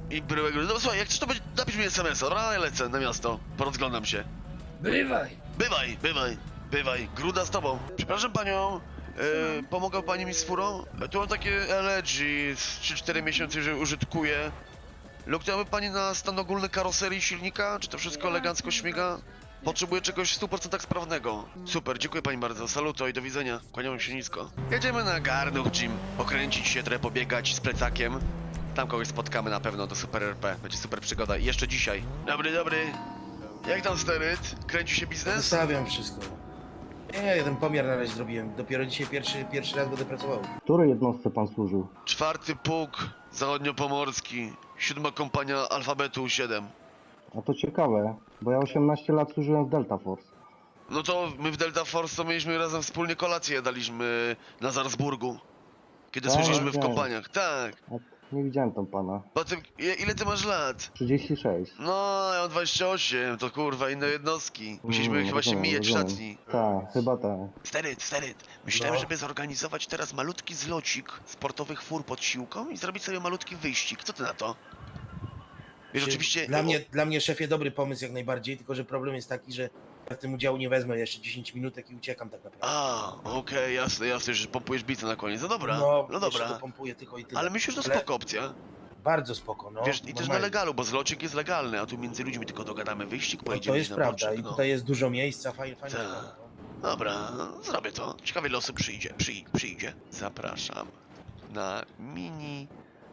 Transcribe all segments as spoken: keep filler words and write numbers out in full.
I bryłek... No słuchaj, jak chcesz to będzie... Napisz mi es em es a, dobra? Ja lecę na miasto. Porozglądam się. Bywaj! Bywaj, bywaj, bywaj. Gruda z tobą. Przepraszam panią. Yy, pomogła pani mi z furą? Tu mam takie L G z trzy cztery miesiące, że użytkuję. Luknęłaby pani na stan ogólny karoserii silnika? Czy to wszystko elegancko śmiga? Potrzebuję czegoś w stu procentach sprawnego. Super, dziękuję pani bardzo. Saluto i do widzenia. Kłaniam się nisko. Jedziemy na Garnuch Gym. Pokręcić się, trochę pobiegać z plecakiem. Tam kogoś spotkamy na pewno do Super R P. Będzie super przygoda. I jeszcze dzisiaj. Dobry, dobry. Jak tam steryt? Kręci się biznes? Zostawiam wszystko. Nie, jeden pomiar na razie zrobiłem. Dopiero dzisiaj pierwszy, pierwszy raz będę pracował. Której jednostce pan służył? Czwarty pułk zachodniopomorski. Siódma kompania alfabetu siedem. A to ciekawe, bo ja osiemnaście lat służyłem w Delta Force. No to my w Delta Force to mieliśmy razem wspólnie kolację, daliśmy na Salzburgu. Kiedy Tak, służyliśmy w tak. kompaniach, tak. A nie widziałem tam pana. Potem, ile, ile ty masz lat? trzydzieści sześć. No, ja mam dwadzieścia osiem, to kurwa inne jednostki. Musimy Mm, chyba się rozumiem, mijać w rozumiem. szatni. Tak, chyba tak. Steryt, steryt. Myślałem, No. żeby zorganizować teraz malutki zlocik sportowych fur pod siłką i zrobić sobie malutki wyścig. Co ty na to? Wiesz, Czy oczywiście... Dla mnie, dla mnie, szefie, dobry pomysł jak najbardziej, tylko że problem jest taki, że ja w tym udziału nie wezmę jeszcze dziesięć minutek i uciekam tak naprawdę. A, okej, jasne, jasne, że pompujesz bicę na koniec. No dobra, no, no jeszcze dobra. to pompuję tylko i tyle. Ale myślę, że to Ale spoko opcja. Bardzo spoko, no. Wiesz, i też na normalnie. legalu, bo zlocik jest legalny, a tu między ludźmi tylko dogadamy wyścig, No, pojedziemy to jest na prawda boczek, i no. tutaj jest dużo miejsca, fajnie, fajnie. Tak. sprawa, no. Dobra, no, zrobię to. Ciekawe ile osób przyjdzie, Przyj przyjdzie. Zapraszam na mini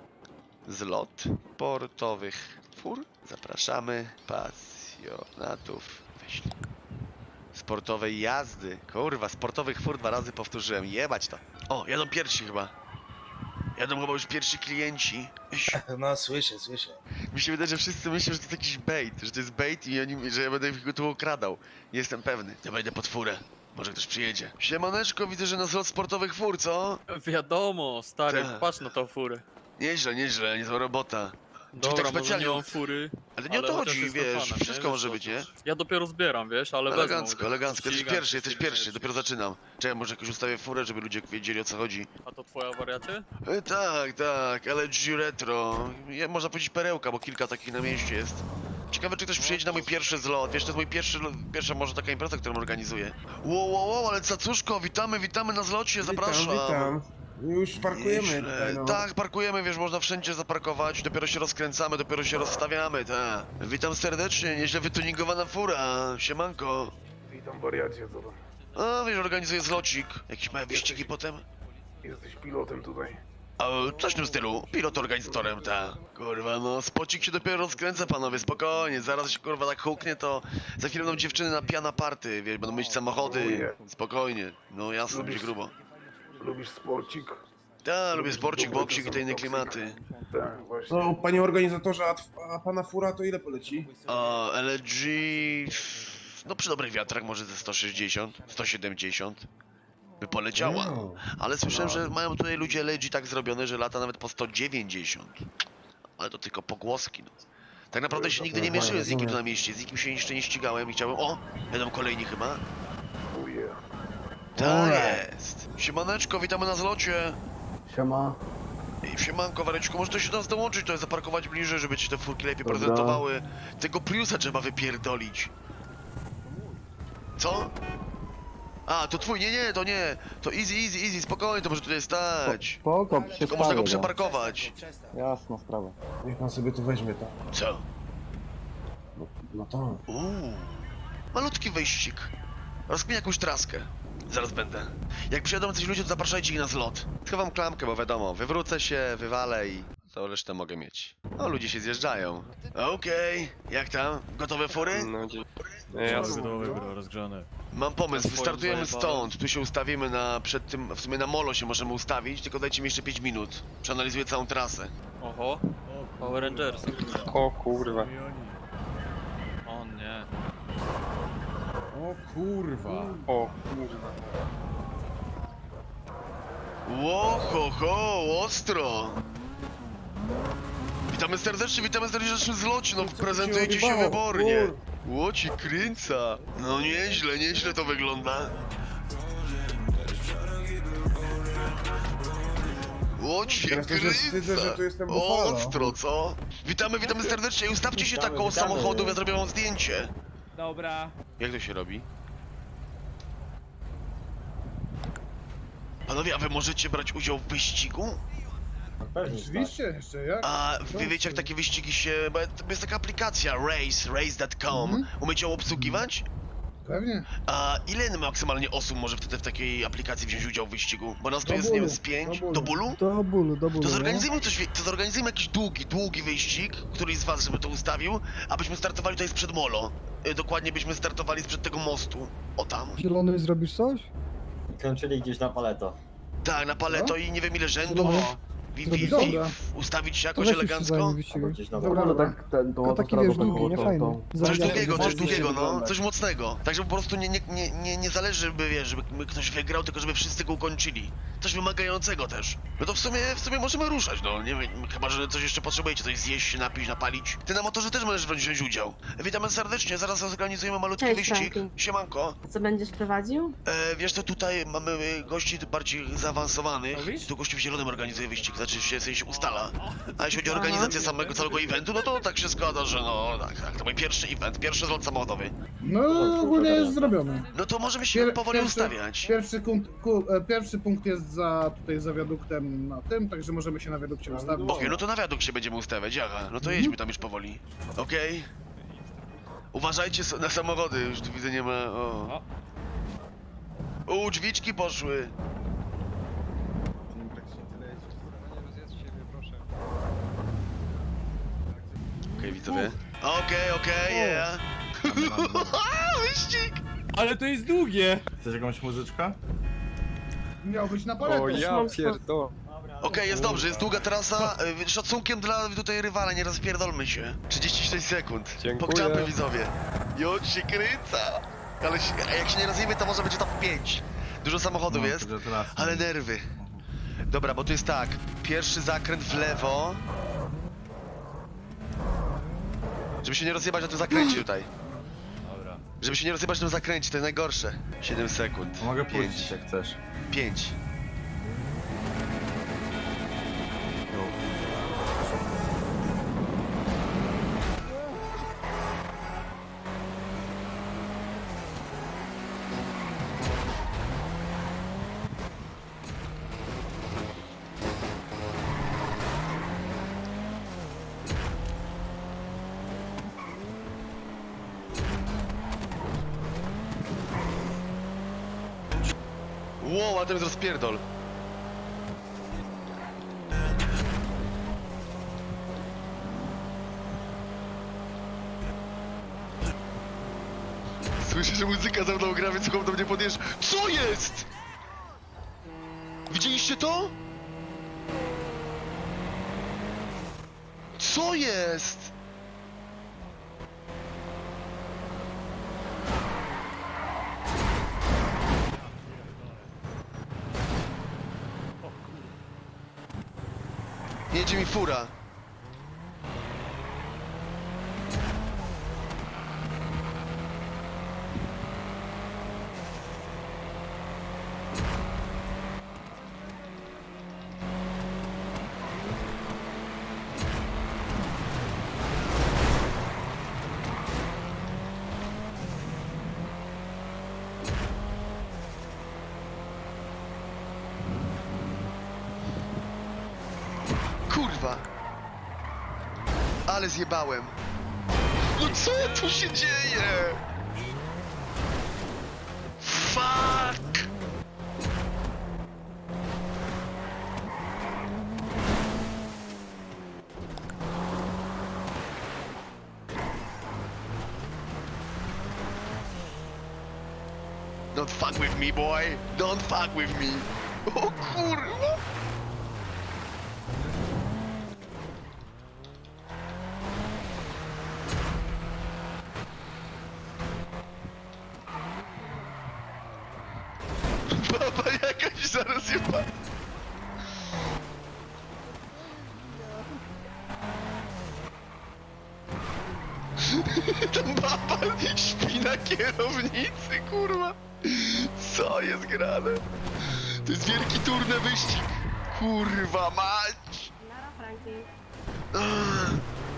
zlot portowych fur. Zapraszamy pasjonatów wyścig. Sportowej jazdy. Kurwa, sportowych fur dwa razy powtórzyłem. Jebać to. O, jadą pierwsi chyba. Jadą chyba już pierwsi klienci. No, słyszę, słyszę. Mi się wydaje, że wszyscy myślą, że to jest jakiś bait, że to jest bait i oni, że ja będę ich tu okradał. Nie jestem pewny. Ja wejdę pod furę. Może ktoś przyjedzie. Siemaneczko, widzę, że na zlot sportowych fur, co? Wiadomo, stary, Tak. patrz na tą furę. Nieźle, nieźle, niezła robota. Dobra, tak może specjalnie- nie mam fury, Ale nie o to chociaż chodzi, jestem wiesz, fanem, wszystko nie? może Wiesz, być, nie? Ja dopiero zbieram, wiesz, ale Elegancko, wezmę. elegancko. Jesteś Ścigam pierwszy, się jesteś z tymi pierwszy, rzeczami. dopiero zaczynam. Czekaj, może jakoś ustawię furę, żeby ludzie wiedzieli o co chodzi. A to twoja wariacie? E, tak, tak, L G Retro. Ja, można powiedzieć perełka, bo kilka takich na mieście jest. Ciekawe, czy ktoś przyjedzie na mój pierwszy zlot. Wiesz, to jest mój pierwszy, pierwsza może taka impreza, którą organizuję. Wow, wow, wow, ale cacuszko, witamy, witamy na zlocie, zapraszam. Witam, witam. Już parkujemy Nieźle. tutaj, no. Tak, parkujemy, wiesz, można wszędzie zaparkować, dopiero się rozkręcamy, dopiero się rozstawiamy, tak. Witam serdecznie, nieźle wytuningowana fura, siemanko. Witam, wariacie, co to? A, wiesz, organizuję zlocik, jakieś małe wyścigi potem. Jesteś pilotem tutaj. A, coś w tym stylu, pilot organizatorem, tak. Kurwa, no, spocik się dopiero rozkręca, panowie, spokojnie, zaraz się, kurwa, tak huknie, to za chwilę będą dziewczyny na piana party, wiesz, będą mieć samochody, spokojnie, no jasno, będzie grubo. Lubisz sporcik? Tak, lubię sporcik, boksik i te inne klimaty. Tak, właśnie. No, panie organizatorze, a, tw- a pana fura to ile poleci? A L G... No przy dobrych wiatrach może ze sto sześćdziesiąt, sto siedemdziesiąt by poleciała. Ale słyszałem, że mają tutaj ludzie L G tak zrobione, że lata nawet po sto dziewięćdziesiąt. Ale to tylko pogłoski, no. Tak naprawdę się nigdy nie mierzyłem z nikim tu na mieście, z nikim się jeszcze nie ścigałem i chciałem... O! Będą kolejni chyba. Uje. Tak jest! Siemaneczko, witamy na zlocie! Siema. Ej, siemanko, Wareczku, może to się do nas dołączyć, to jest zaparkować bliżej, żeby ci te furki lepiej Dobra. prezentowały. Tego Priusa trzeba wypierdolić. Co? A, to twój, nie, nie, to nie. To easy, easy, easy, spokojnie, to może tutaj stać. Spoko, się Tylko można go stawię, no. przeparkować. Jasna sprawa. Niech pan sobie tu weźmie to. Co? No, no to. Uuu. Malutki wyścig. Rozkminię jakąś traskę. Zaraz będę. Jak przyjadą coś ludzie, to zapraszajcie ich na zlot. Schowam klamkę, bo wiadomo, wywrócę się, wywalę i to resztę mogę mieć. No, ludzie się zjeżdżają. Okej, jak tam? Gotowe fury? No, dzie- Jasne. rozgrzane. Mam pomysł, Swoim wystartujemy zajebałem. stąd. Tu się ustawimy na, przed tym, w sumie na molo się możemy ustawić, tylko dajcie mi jeszcze pięć minut. Przeanalizuję całą trasę. Oho, Power Rangers. O kurwa. O nie. O kurwa. O kurwa. Ło, ho, ho, ostro! Witamy serdecznie, witamy serdecznie w naszym zlocie, no prezentujecie się wybornie. Łoci kręca. No nieźle, nieźle to wygląda. O cię Teraz to się wstydzę, że tu jestem Buffalo. ostro, co? Witamy, witamy serdecznie. Ustawcie się tak koło samochodów, ja zrobię wam zdjęcie. Dobra. Jak to się robi? Panowie, a wy możecie brać udział w wyścigu? Oczywiście, jeszcze jak? A wy wiecie jak takie wyścigi się... Bo jest taka aplikacja, race, race kropka com. Umiecie ją obsługiwać? Pewnie. A ile maksymalnie osób może wtedy w takiej aplikacji wziąć udział w wyścigu? Bo nas tu Do jest, nie wiem, bólu, z pięć. do bólu. Do bólu? Do bólu, do bólu. To zorganizujmy coś, wie- to zorganizujmy jakiś długi, długi wyścig, któryś z was żeby to ustawił, abyśmy startowali tutaj sprzed molo. Y, Dokładnie byśmy startowali sprzed tego mostu. O tam. Zielony zrobisz coś? Kończyli gdzieś na paleto. Tak, na paleto i nie wiem ile rzędu. Zielony? Wi, wi, Zrobisz wi, dobra. ustawić się To jakoś weź już się elegancko. zajmij Albo wyścigiem. gdzieś na Dobra, dole. dobra. Tak, ten, to taki wiesz, długi, nie fajny. Coś Zarabiamy. długiego, coś Zarabiamy. długiego, no, wyglądać. coś mocnego. Tak, żeby po prostu nie, nie, nie, nie, nie zależy, żeby, wiesz, żeby ktoś wygrał, tylko żeby wszyscy go ukończyli. Coś wymagającego też. No to w sumie, w sumie możemy ruszać, no, nie wiem, chyba, że coś jeszcze potrzebujecie, coś zjeść, się napić, napalić. Ty na motorze też możesz wziąć udział. Witamy serdecznie, zaraz zorganizujemy malutki Cześć, wyścig. Franki. Siemanko. Co będziesz prowadził? E, wiesz co, tutaj mamy e, gości bardziej zaawansowanych. Mówisz? Tu gościu w zielonym organizuje wyścig, znaczy się, w sensie ustala. A jeśli chodzi o organizację samego całego eventu, no to tak się składa, że no, tak, tak, to mój pierwszy event, pierwszy zlot samochodowy. No, ogólnie jest zrobione. No to możemy się Pier- powoli pierwszy- ustawiać. Pierwszy, kunt, ku, e, pierwszy punkt jest za tutaj za wiaduktem na tym, także możemy się na wiadukcie ustawić. Okej, no to na wiaduk się będziemy ustawiać, aha, no to jedźmy tam już powoli. Okej. Uważajcie so- na samochody, już tu widzę nie ma, o. U, drzwiczki poszły. Okej, widzowie. Okej, okej, yeah. Wyścig! Ale to jest długie. Chcesz jakąś muzyczkę? Miał być na paletę. O ja pierdolę. Okej, jest dobrze, jest długa trasa. y, Szacunkiem dla tutaj rywala, nie rozpierdolmy się. trzydzieści sześć sekund. Dziękuję. Pogrzamy widzowie. Jod się kręca. Ale się, a jak się nie rozjemy, to może będzie top pięć. Dużo samochodów jest, ale nerwy. Dobra, bo tu jest tak. Pierwszy zakręt w lewo. Żeby się nie rozjebać na tym zakręcie tutaj. Dobra. Żeby się nie rozjebać na tym zakręcie, to jest najgorsze. siedem sekund. Mogę Pięć. puścić jak chcesz. pięć. Wow, a ten jest rozpierdol. Słyszę, że muzyka za mną gra, więc chłop do mnie podjeżdża. Co jest? Widzieliście to? Co jest? Jedzie mi fura. Kurwa. Ale zjebałem. No co tu się dzieje? Fuck! Don't fuck with me, boy. Don't fuck with me. O kurwa. Baba jakaś zaraz jeba. Tam baba śpi na kierownicy, kurwa. Co jest grane? To jest wielki turny wyścig. Kurwa mać! Nara, Franki. Ugh.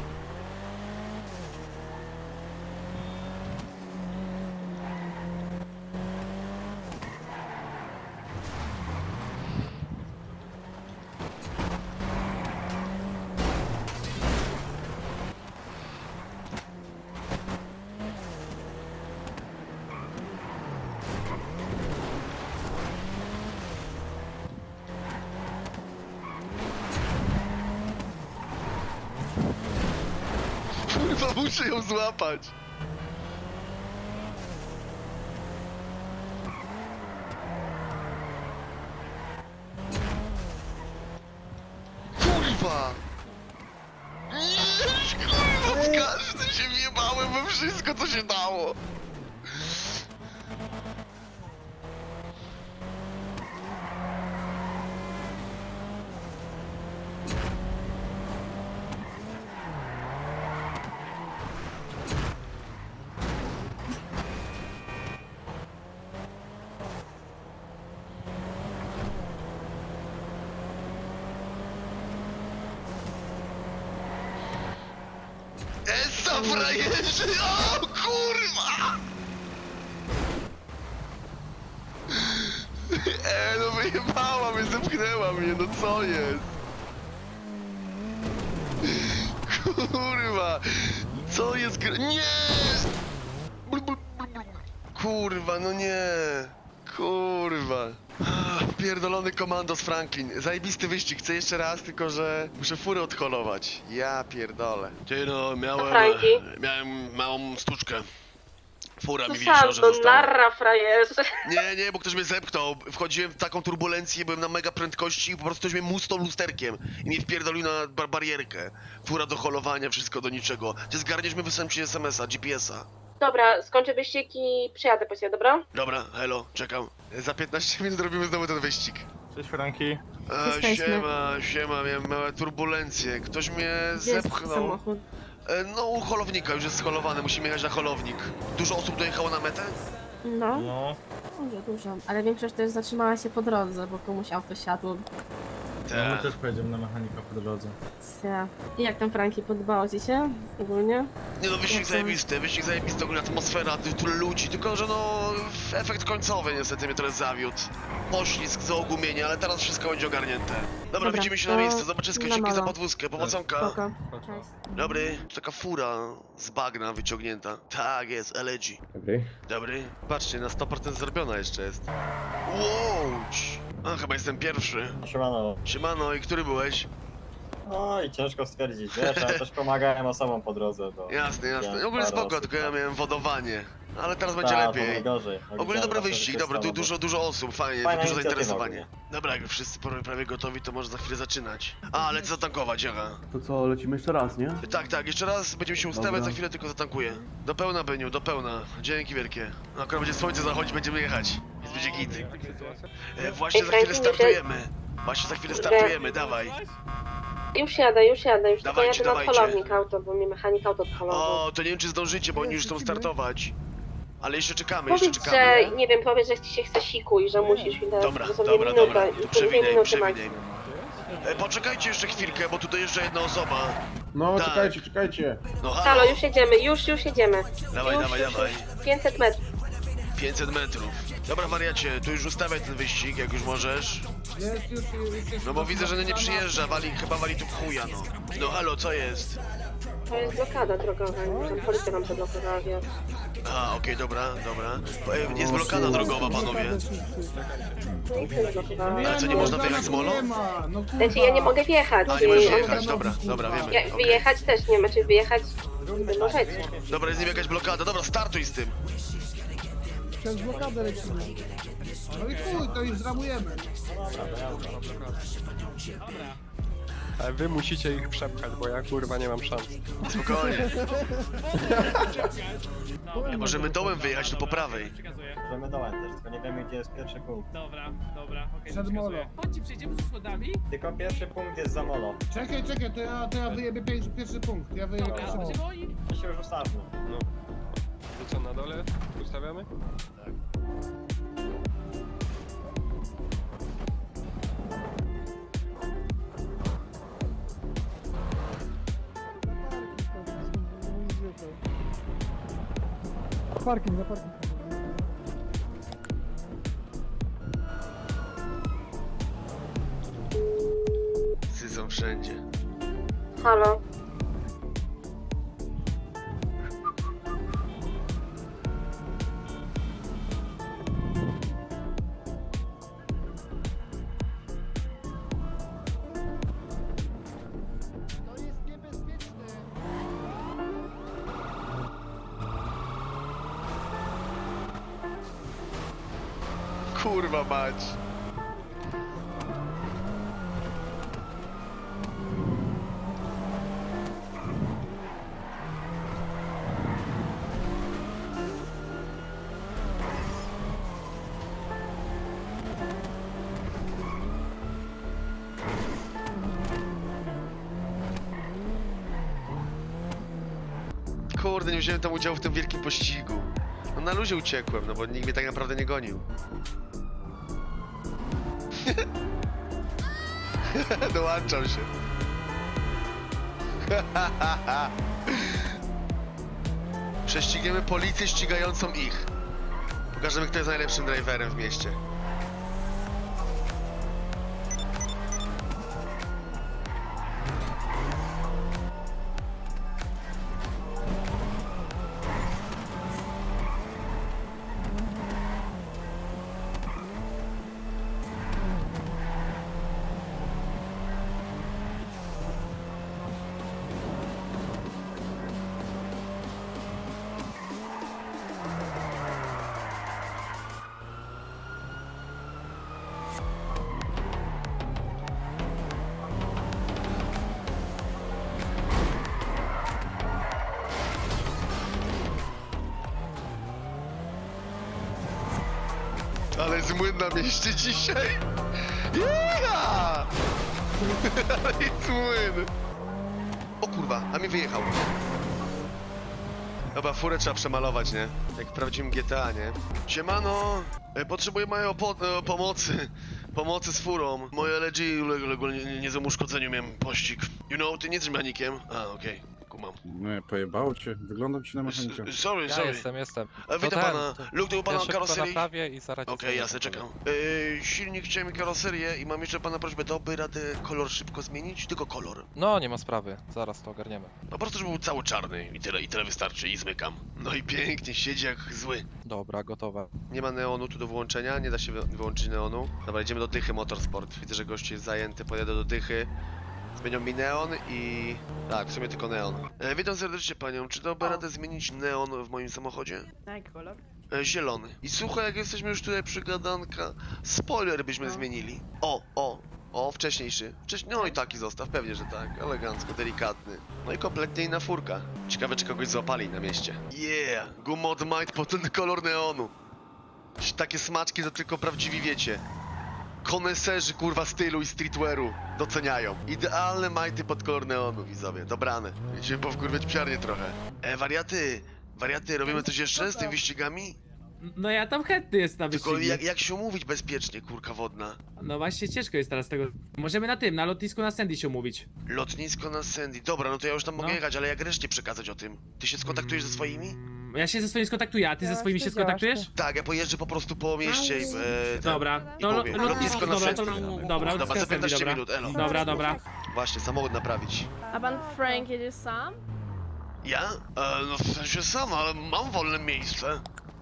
Kurwa, muszę ją złapać. Kurwa! Jeż, kurwa, w każdym się wjebałem we wszystko, co się dało. Essa frajerzy! O kurwa! E, no wyjebała mnie, zepchnęła mnie, no co jest? Kurwa! Co jest gr... Nie! Blu, blu, blu, blu. Kurwa, no nie! Kurwa! Ach, pierdolony komandos Franklin. Zajebisty wyścig, chcę jeszcze raz, tylko że muszę furę odholować. Ja pierdolę. Ty no, miałem... Franki? Miałem małą stuczkę. Fura mi To widziała, sam, że to została. narra, frajerzy. Nie, nie, bo ktoś mnie zepchnął. Wchodziłem w taką turbulencję, byłem na mega prędkości i po prostu ktoś mnie musnął lusterkiem i mnie wpierdolił na bar barierkę. Fura do holowania, wszystko do niczego. Ty zgarniesz mi, wysłałem ci es em es a, G P es a. Dobra, skończę wyścig i przyjadę po ciebie, dobra? Dobra, hello, czekam. Za piętnaście minut robimy znowu ten wyścig. Cześć Franki. E, Jesteśmy. siema, siema, miałem małe turbulencje. Ktoś mnie Gdzie jest zepchnął. samochód? E, no, u holownika, już jest scholowany, musimy jechać na holownik. Dużo osób dojechało na metę? No, No. dużo, dużo. Ale większość też zatrzymała się po drodze, bo komuś auto siadło. No my też pojedziemy na mechanika po drodze. Cia. I jak tam, Franki, podobało ci się ogólnie? Nie no, wyścig Jak to? zajebisty, wyścig zajebisty, ogólnie atmosfera, ty- tyle ludzi, tylko że no, efekt końcowy niestety mnie trochę zawiódł. Poślizg, zaogumienie, ale teraz wszystko będzie ogarnięte. Dobra, Dobra, widzimy się to na miejscu, zobaczysko, na dzięki za molo. podwózkę, powodzonka. Spoko. Cześć. Dobry, to taka fura z bagna wyciągnięta. Tak jest, L G. Dobry. Dobry. Patrzcie, na sto procent zrobiona jeszcze jest. Łódź! A, chyba jestem pierwszy. Siemano. Siemano, i który byłeś? No i ciężko stwierdzić, wiesz, ja też pomagałem osobom po drodze, bo... Jasne, jasne. Widziałem Ogólnie parę spoko, osób, tylko ja tak. miałem wodowanie. Ale teraz będzie Ta, to lepiej. najgorzej. Ogólnie dobry wyścig, dobry, tu dużo, dużo osób, fajnie, Fajna dużo inicjatywa zainteresowanie. Dobra, jak już wszyscy prawie, prawie gotowi, to może za chwilę zaczynać. A, lecę zatankować, aha. To co, lecimy jeszcze raz, nie? Tak, tak, jeszcze raz będziemy się ustawiać, Dobra. za chwilę tylko zatankuję. Do pełna, Beniu, do pełna. Dzięki wielkie. No, akurat będzie słońce zachodzić, będziemy jechać. Więc będzie git. E, właśnie Ej, za chwilę Franki, nie startujemy. Właśnie za chwilę startujemy, dawaj. Już jadę, już jadę, już tylko Dawajcie, jadę na dawajcie. polownik auto, bo mi mechanik auto odholował. O, to nie wiem czy zdążycie, bo oni już chcą startować. Ale jeszcze czekamy, jeszcze Powiedz, czekamy. że, nie wiem, powiedz, że ci się chce siku i że musisz mi dać Dobra, dosłownie dobra, minutę, dobra, i to pół przewinę, minuty przewinę. maksimum. E, poczekajcie jeszcze chwilkę, bo tu dojeżdża jedna osoba. No, Tak. czekajcie, czekajcie. No halo, Halo, już jedziemy, już, już jedziemy. dawaj, już, dawaj, już, dawaj. już. pięćset metrów. pięćset metrów. Dobra wariacie, tu już ustawiaj ten wyścig, jak już możesz. Jest już, już jest No bo widzę, że nie przyjeżdża, wali, chyba wali tu w chuja, no. No halo, co jest? To jest blokada drogowa, tam policja nam zablokowała wjazd. A, okej, dobra, dobra. E, jest blokada drogowa, panowie. Policja zablokowała. A co, nie można wyjechać z molo? Nie ma, no kurwa. Znaczy ja nie mogę wjechać. A, nie możesz i on- jechać, dobra, dobra, wiemy. Ja, okej. wyjechać też nie ma, czy wyjechać nie możecie. Dobra, jest nim jakaś blokada, dobra, startuj z tym. Przez blokadę lecimy. No i chuj, to już zramujemy. Ale wy musicie ich przepchać, bo ja kurwa nie mam szans. Spokojnie. Możemy dołem wyjechać, tu po prawej. Przekazuję. Możemy dołem też, tylko nie wiemy gdzie jest pierwszy punkt. Dobra, dobra, okej, Przed przekazuję. molo. Chodźcie, przejdziemy ze schodami. Tylko pierwszy punkt jest za molo. Czekaj, czekaj, to ja, to ja wyjebię pierwszy, pierwszy punkt. Ja wyjebię Dobra, pierwszy punkt. będziemy oni. I się już ustawmy. No. To co, na dole ustawiamy? parking, na parking. Psy są wszędzie. Halo. Kurwa mać. Kurde, nie wziąłem tam udziału w tym wielkim pościgu. No na luzie uciekłem, no bo nikt mnie tak naprawdę nie gonił. Dołączam się. Prześcigniemy policję ścigającą ich. Pokażemy, kto jest najlepszym driverem w mieście. Ale jest młyn na mieście dzisiaj. Yeah! Ale jest młyn. O kurwa, a mi wyjechał. Dobra, furę trzeba przemalować, nie? Jak w prawdziwym G T A, nie? Siemano, e, potrzebuję mojej opo- e, pomocy. Pomocy z furą. Moje L G uległo nie- niezłemu uszkodzeniu, miałem pościg. You know, ty nie jesteś mechanikiem? A, okej, kumam. Nie, pojebało cię. Wyglądam ci na mechanika. S- Sorry, Ja sorry. jestem, jestem. E, witam ten, pana. to- Luke, to u pana Ja szybko karoserię. naprawię i zaraz... Okej, jasne, czekam. Yy, silnik chciałem i karoserię i mam jeszcze pana prośbę, dałby radę kolor szybko zmienić? Tylko kolor. No, nie ma sprawy, zaraz to ogarniemy. Po prostu, żeby był cały czarny i tyle, i tyle wystarczy i zmykam. No i pięknie, siedzi jak zły. Dobra, gotowe. Nie ma neonu tu do wyłączenia, nie da się wy wyłączyć neonu. Dobra, idziemy do Dychy Motorsport. Widzę, że gość jest zajęty, pojadę do Dychy. Zmienią mi neon i... Tak, w sumie tylko neon. E, witam serdecznie panią, czy dałby radę zmienić neon w moim samochodzie? Tak, kolor. E, zielony. I słuchaj, jak jesteśmy już tutaj przy gadanka, spoiler byśmy No. zmienili. O, o, o, wcześniejszy. Wcześniej, no i taki zostaw, pewnie, że tak. Elegancko, delikatny. No i kompletnie inna furka. Ciekawe, czy kogoś złapali na mieście. Yeah! Gumod Might po ten kolor neonu. Takie smaczki to tylko prawdziwi wiecie. Koneserzy, kurwa, stylu i streetwearu doceniają. Idealne majty pod kolor neonu, widzowie. Dobrane. Będziemy powkurwiać psiarnię trochę. E, wariaty, wariaty, robimy coś jeszcze z tymi wyścigami? No ja tam chętny jest na Tylko wyścigi. jak, jak się umówić bezpiecznie, kurka wodna? No właśnie ciężko jest teraz tego. Możemy na tym, na lotnisku na Sandy się umówić. Lotnisko na Sandy. Dobra, no to ja już tam mogę No. jechać, ale jak reszcie przekazać o tym? Ty się skontaktujesz ze swoimi? Mm, Ja się ze swoimi skontaktuję, a ty ze swoimi się skontaktujesz? Tak, ja pojeżdżę po prostu po mieście i... E, ten- Dobra, i no lo- powiem. lotnisko, Lotnisko na dobra, to, Sandy. dobra, Dobra, lotnisko za na Sandy, piętnaście dobra. minut, elo. Dobra, dobra. Właśnie, samochód naprawić. A pan Frank jedziesz sam? Ja? E, no w sensie sam, ale mam wolne miejsce.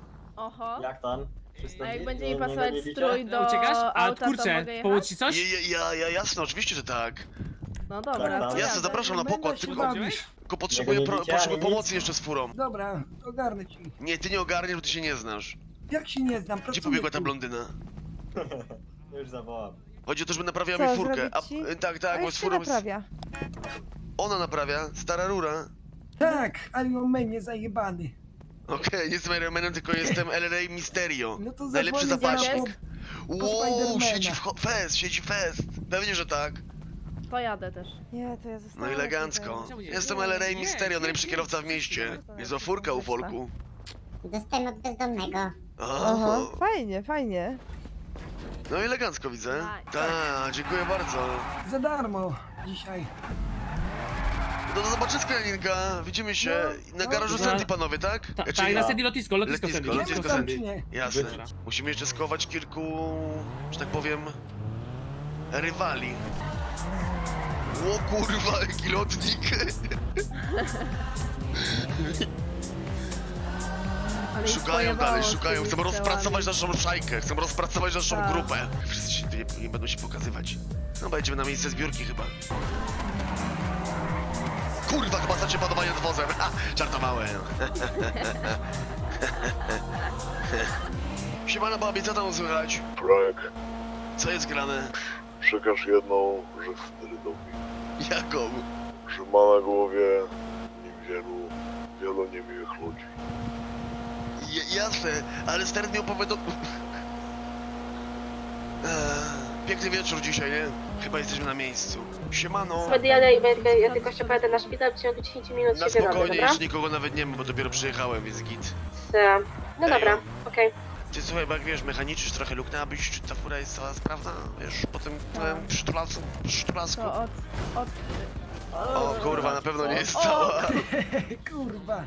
Oho. Jak tam? Wszyscy A jak nie- będzie nie- mi nie pasować goniliście? strój do Uciekasz? A auta, to kurczę, mogę pomóc jechać? ci coś? Ja, ja, ja, jasne, oczywiście, że tak. No dobra, Tak, to tak. Jasne, jadę. zapraszam na pokład, tylko, Chodziłeś? tylko potrzebuję, Nie pro, widzicie, potrzebuję ani nic? pomocy jeszcze z furą. Dobra, ogarnę ci. Nie, ty nie ogarniesz, bo ty się nie znasz. Jak się nie znam, Gdzie pobiegła ta blondyna? Już zawołam. Chodzi o to, żeby naprawiała Co, mi furkę. A, zrobić ci? e, tak, tak, A bo jak z się furą jest... naprawia? Ona naprawia, stara rura. Tak, ale on mnie zajebany. Okej, nie jestem Iron Manem, tylko jestem L R A Mysterio. No to Najlepszy zadzwonię zaraz zapaśnik. po- po Wow, Spidermana. siedzi w ho- fest, siedzi fest. Pewnie, że tak. Pojadę też. Nie, to ja zostanę No elegancko. Czemu nie? Jestem L R A Nie, Mysterio, nie, najlepszy nie, kierowca w nie, mieście. nie. Niezła furka u folku. Dostałem od bezdomnego. Aha. fajnie, fajnie. No i elegancko widzę. Tak. Tak, dziękuję bardzo. Za darmo dzisiaj. Do zobaczyska, Janinka. Widzimy się na garażu no. Sandy, panowie, tak? Ta, Czy- tak, na Sandy lotnisko, lotnisko Lotnisko, Sandy. lotnisko Lotnisko Sandy. Jasne. Dobra. Musimy jeszcze skować kilku, że tak powiem, rywali. O kurwa, jaki lotnik. Ale ich Szukają pojebało dalej, z szukają. tymi Chcą strzałami. rozpracować naszą szajkę, chcą rozpracować naszą Tak. grupę. Wszyscy się nie, nie będą się pokazywać. No będziemy na miejsce zbiórki chyba. Kurwa, chyba chcecie panowanie nad wozem. Ha, żartowałem. Siemano babie, co tam słychać? Frank, Co jest grane? przekaż jedną rzecz sterydowi, Jaką? że ma na głowie niewielu, wielu niemiłych ludzi. J jasne, ale stary mi opowiadał... Eee, piękny wieczór dzisiaj, nie? Chyba jesteśmy na miejscu. Siemano. Medialne i będę, ja tylko się pojadę na szpital, w ciągu dziesięć minut Na się wyrobię, spokojnie, dobra? już nikogo nawet nie ma, bo dopiero przyjechałem, więc git. Ta. No Ej, dobra, o. okej. Ty słuchaj, bo jak wiesz, mechaniczysz trochę luknęłabyś, czy ta fura jest cała sprawna? Wiesz, po tym Tak. przytulasku, przytulasku. To od... od... O kurwa, na pewno nie jest cała. Kurwa.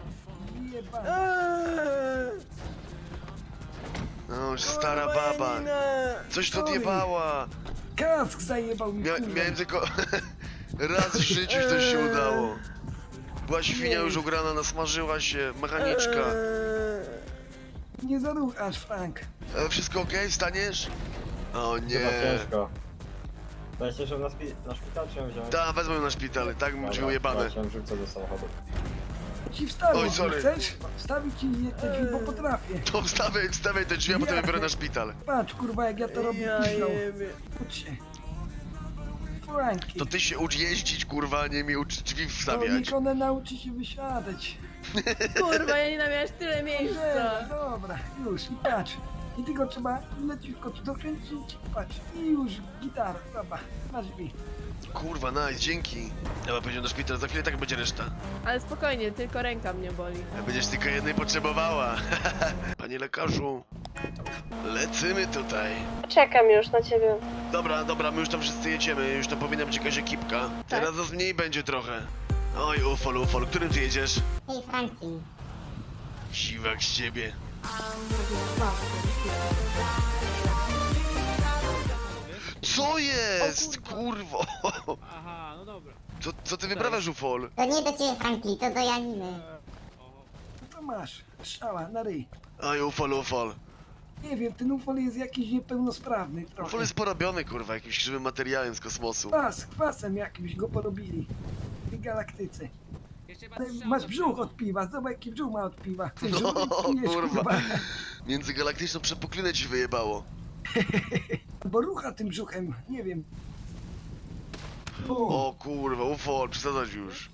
No, już stara baba. Coś to odjebała. Kask zajebał mi, Mia miałem tylko... Raz w życiu coś się udało. Była świnia już ugrana, nasmażyła się, mechaniczka. Nie zaruchasz, Frank. E, wszystko okej? Wstaniesz? O nie. Chyba ciężko. Weźcie się na, spi na szpital, czy ją wziąć? Da, wezmę ją na szpital, tak bym drzwi ujebane. Ja cię wrzucę do samochodu. Ci wstawię, Oj, sorry. chcesz? Wstawić ci te drzwi, bo potrafię. To wstawiaj, wstawiaj te drzwi, a potem je biorę na szpital. Patrz, kurwa, jak ja to robię późno. Ucz się. Franki. To ty się ucz jeździć, kurwa, a nie mi ucz drzwi To wstawiać. niech one nauczy się wysiadać. Kurwa, ja nie miałeś tyle Dobra, dobra, już i patrz. I tylko trzeba leciutko tu dokręcić, patrz. I już gitara, dobra, masz mi. Kurwa, nice, dzięki. Dobra, pójdziemy do szpitala, za chwilę tak będzie reszta. Ale spokojnie, tylko ręka mnie boli. Będziesz tylko jednej potrzebowała. Panie lekarzu, lecimy tutaj. Czekam już na ciebie. Dobra, dobra, my już tam wszyscy jedziemy, już tam powinna być jakaś ekipka. Teraz nas mniej będzie trochę. Oj, ufol, ufol, którym ty jedziesz? Hej, Franki. Siwak z ciebie. Co jest? Kurwo! Aha, no dobra. Co, co ty wyprawiasz, ufol? To nie do ciebie, Franki, to do Janiny. To masz, strzała, na ryj. Oj, ufol, ufol. Nie wiem, ten ufol jest jakiś niepełnosprawny trochę. Ufol jest porobiony, kurwa, jakimś żywym materiałem z kosmosu. Kwas, kwasem jakimś go porobili. W tej galaktyce. Jeszcze Ale strzał masz do brzuch przodu. od piwa, zobacz jaki brzuch ma od piwa. Chcesz, No, żeby pijesz, kurwa. Międzygalaktyczną przepuklinę ci wyjebało. Bo rucha tym brzuchem, nie wiem. O, O kurwa, ufol, przesadzasz już.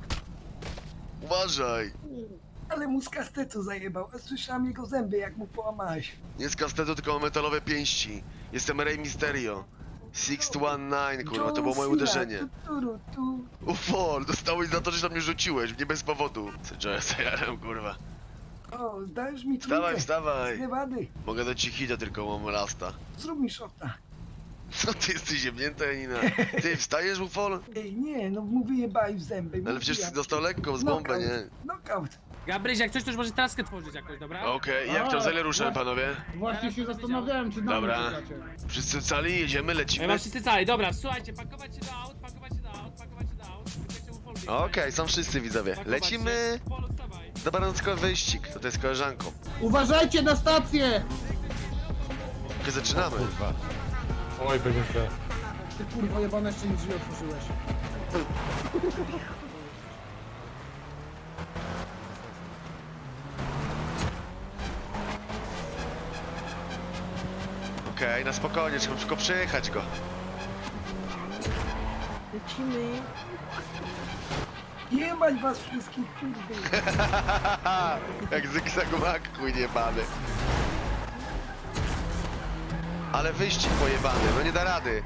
Uważaj. ale mu z kastetu zajebał, a słyszałem jego zęby jak mu połamałeś. Nie z kastetu, tylko mam metalowe pięści. Jestem Rey Mysterio. six one nine, kurwa, to było moje John Cena, uderzenie. Tu, tu, tu. Ufol, dostałeś za to, że na mnie rzuciłeś, nie bez powodu. Co ja zajarem, kurwa. O, dajesz mi Wstawaj, trójkę. wstawaj. Z Nevady. Mogę dać ci hita, tylko mam rasta. Zrób mi szota. Co ty jesteś ziemnięta, Janina? Ty wstajesz, ufol? Ej, nie, no mu wyjebaj w zęby. Ale przecież mówiłem. dostał lekko z bombę, Knockout, nie? Knockout. Gabryś, jak coś, to już może traskę tworzyć jakoś, dobra? Okej, jak tam zale ruszamy, panowie? Właśnie się zastanawiałem, czy Dobra. Wszyscy cali, jedziemy, Ja lecimy. mam wszyscy cali, dobra, słuchajcie, pakować się do aut, pakować się do aut, pakować się do aut. Czekajcie, ufol biegnie. Okej, są wszyscy widzowie. Pakować Lecimy. się. Ufol, odstawaj. Dobranoc, wyścig. To jest koleżanką. Uważajcie na stację! Okej, zaczynamy. Oj, będzie źle. Ty kurwa jebane, jeszcze nie drzwi otworzyłeś. Okej, na spokojnie, trzeba tylko przejechać go. Lecimy. Jebać was wszystkich, kurde. Jak zygzak chuj bany. Ale wyścig pojebany, no nie da rady.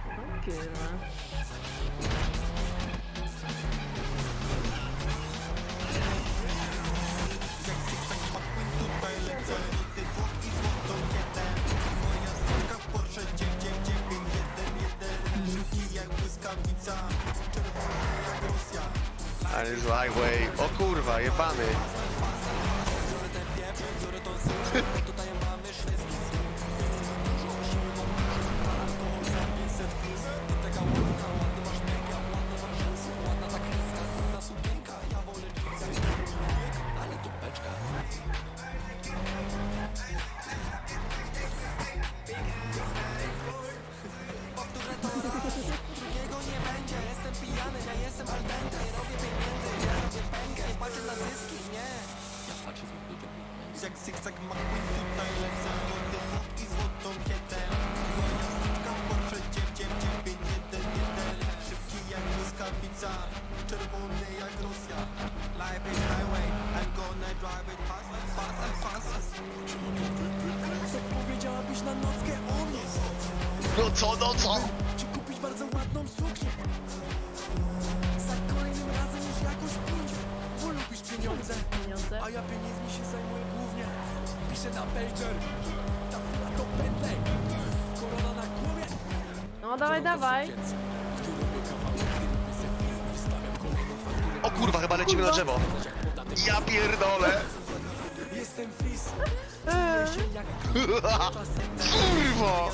normalnie z highway. O kurwa, jebany. No co, no co? Kupić bardzo ładną suknię. Za kolejnym razem już jakoś pójdzie. Bo lubisz pieniądze, Pieniądze. a ja pieniędzmi się zajmuję głównie. Piszę na pager, ta chwila to Bentley. Korona na głowie. No dawaj, dawaj. O kurwa, chyba lecimy na drzewo. Ja pierdolę. Jestem fris. Kurwa.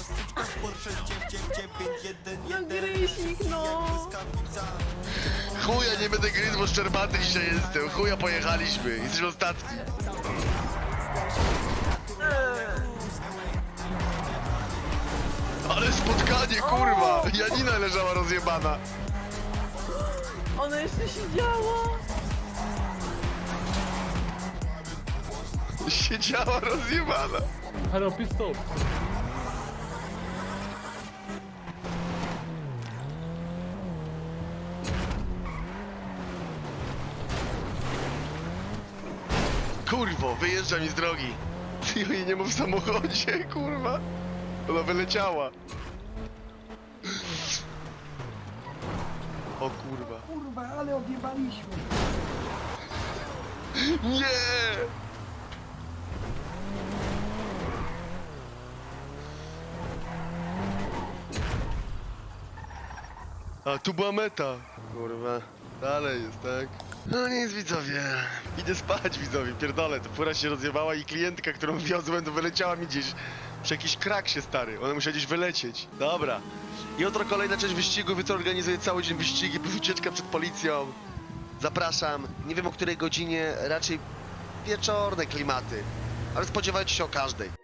No gryźnik, no. Chuja, nie będę gryzł, bo szczerbaty dzisiaj jestem. Chuja, pojechaliśmy. Jesteśmy ostatni. Ale spotkanie, kurwa. Janina leżała rozjebana. Ona jeszcze siedziała. Siedziała rozjebana. Halo, pistol. Kurwo, wyjeżdża mi z drogi. Ty jej nie ma w samochodzie, kurwa. Ona wyleciała. O kurwa. Kurwa, ale odjebaliśmy. Nie! A, tu była meta. Kurwa. Dalej jest, tak? No nic, widzowie. Idę spać, widzowie, pierdolę. To fura się rozjebała i klientka, którą wiozłem, to wyleciała mi gdzieś. Przy jakiś kraksie, stary. Ona musiała gdzieś wylecieć. Dobra. Jutro kolejna część wyścigu. Jutro organizuję cały dzień wyścigi, plus ucieczka przed policją. Zapraszam. Nie wiem o której godzinie, raczej wieczorne klimaty. Ale spodziewajcie się o każdej.